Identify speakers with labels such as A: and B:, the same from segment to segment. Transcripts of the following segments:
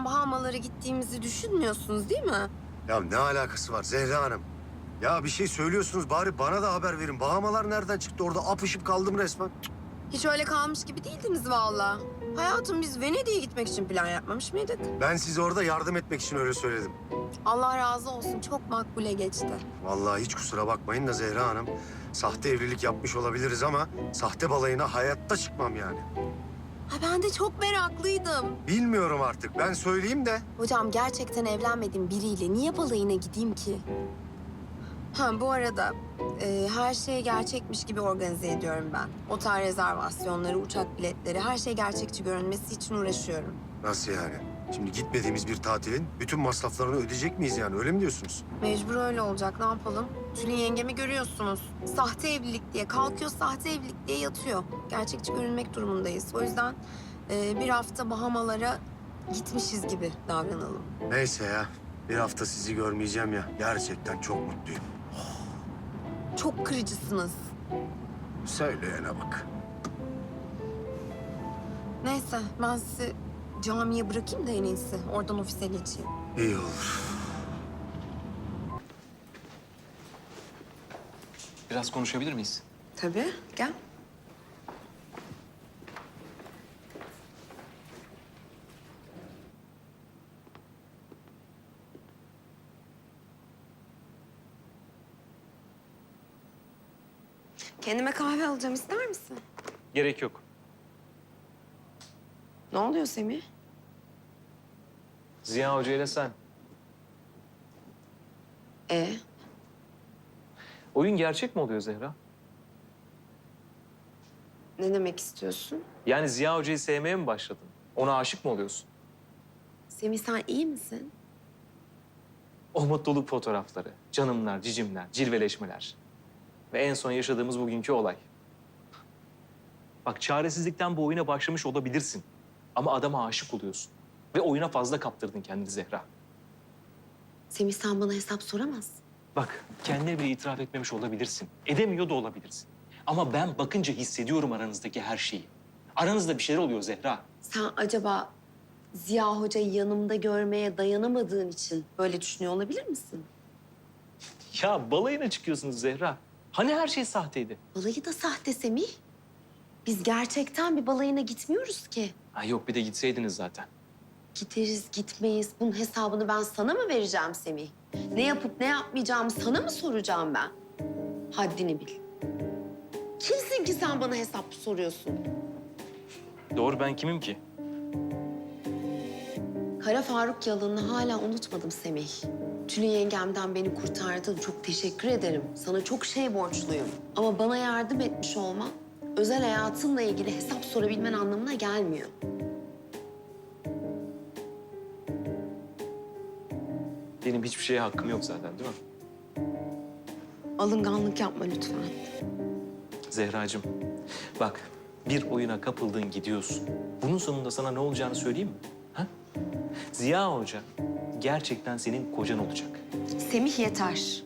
A: falan Bahamalara gittiğimizi düşünmüyorsunuz değil mi?
B: Ya ne alakası var Zehra Hanım? Ya bir şey söylüyorsunuz bari bana da haber verin. Bahamalar nereden çıktı? Orada apışıp kaldım resmen.
A: Hiç öyle kalmış gibi değildiniz vallahi. Hayatım biz Venedik'e gitmek için plan yapmamış mıydık?
B: Ben size orada yardım etmek için öyle söyledim.
A: Allah razı olsun çok makbule geçti.
B: Vallahi hiç kusura bakmayın da Zehra Hanım. Sahte evlilik yapmış olabiliriz ama sahte balayına hayatta çıkmam yani.
A: Ha ben de çok meraklıydım.
B: Bilmiyorum artık. Ben söyleyeyim de.
A: Hocam gerçekten evlenmediğim biriyle niye balayına gideyim ki? Ha bu arada her şey gerçekmiş gibi organize ediyorum ben. Otel rezervasyonları, uçak biletleri, her şey gerçekçi görünmesi için uğraşıyorum.
B: Nasıl yani? Şimdi gitmediğimiz bir tatilin bütün masraflarını ödeyecek miyiz yani? Öyle mi diyorsunuz?
A: Mecbur öyle olacak, ne yapalım? Tülin yengemi görüyorsunuz. Sahte evlilik diye kalkıyor, sahte evlilik diye yatıyor. Gerçekçi görünmek durumundayız. O yüzden bir hafta Bahamalara gitmişiz gibi davranalım.
B: Neyse ya. Bir hafta sizi görmeyeceğim ya. Gerçekten çok mutluyum.
A: Çok kırıcısınız.
B: Söyleyene bak.
A: Neyse ben sizi camiye bırakayım da en iyisi. Oradan ofise geçeyim.
B: İyi olur.
C: Biraz konuşabilir miyiz?
A: Tabii, gel. Kendime kahve alacağım, ister misin?
C: Gerek yok.
A: Ne oluyor Semih?
C: Ziya Hoca ile sen.
A: E
C: Oyun gerçek mi oluyor Zehra?
A: ne demek istiyorsun?
C: Yani Ziya Hoca'yı sevmeye mi başladın? Ona aşık mı oluyorsun?
A: Semih sen iyi misin?
C: O mutluluk fotoğrafları, canımlar, cicimler, cilveleşmeler. Ve en son yaşadığımız bugünkü olay. Bak çaresizlikten bu oyuna başlamış olabilirsin. Ama adama aşık oluyorsun. Ve oyuna fazla kaptırdın kendini Zehra.
A: Semih sen bana hesap soramazsın.
C: Bak kendine bile itiraf etmemiş olabilirsin. Edemiyor da olabilirsin. Ama ben bakınca hissediyorum aranızdaki her şeyi. Aranızda bir şeyler oluyor Zehra.
A: Sen acaba Ziya Hoca'yı yanımda görmeye dayanamadığın için böyle düşünüyor olabilir misin?
C: Ya balayına çıkıyorsunuz Zehra. Hani her şey sahteydi?
A: Balayı da sahte Semih. Biz gerçekten bir balayına gitmiyoruz ki.
C: Ha yok bir de gitseydiniz zaten.
A: Gideriz, gitmeyiz. Bunun hesabını ben sana mı vereceğim Semih? Ne yapıp ne yapmayacağımı sana mı soracağım ben? Haddini bil. Kimsin ki sen bana hesap soruyorsun?
C: Doğru ben kimim ki?
A: Kara Faruk yalanını hala unutmadım Semih. Tülin yengemden beni kurtardın. Çok teşekkür ederim. Sana çok şey borçluyum. Ama bana yardım etmiş olman özel hayatınla ilgili hesap sorabilmen anlamına gelmiyor.
C: Benim hiçbir şeye hakkım yok zaten değil mi?
A: Alınganlık yapma lütfen.
C: Zehracığım bak bir oyuna kapıldın gidiyorsun. Bunun sonunda sana ne olacağını söyleyeyim mi? Ha? Ziya Hoca gerçekten senin kocan olacak.
A: Semih yeter.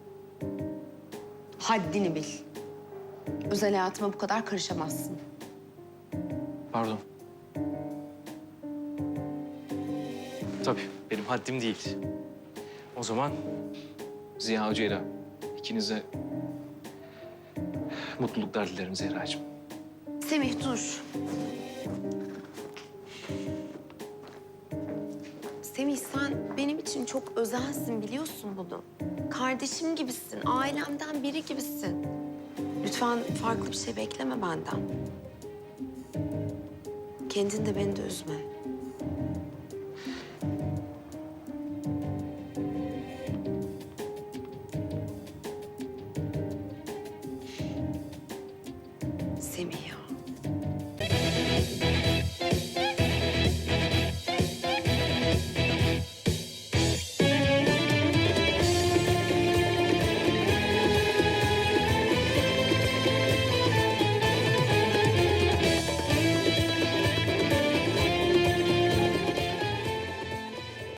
A: Haddini bil. Özel hayatıma bu kadar karışamazsın.
C: Pardon. Tabii benim haddim değil. O zaman Ziya Hoca'yla ikinize mutluluklar dilerim Zehracığım.
A: Semih dur. Semih sen benim için çok özelsin biliyorsun bunu. Kardeşim gibisin, ailemden biri gibisin. Lütfen farklı bir şey bekleme benden. Kendini de beni de üzme. Semih ya.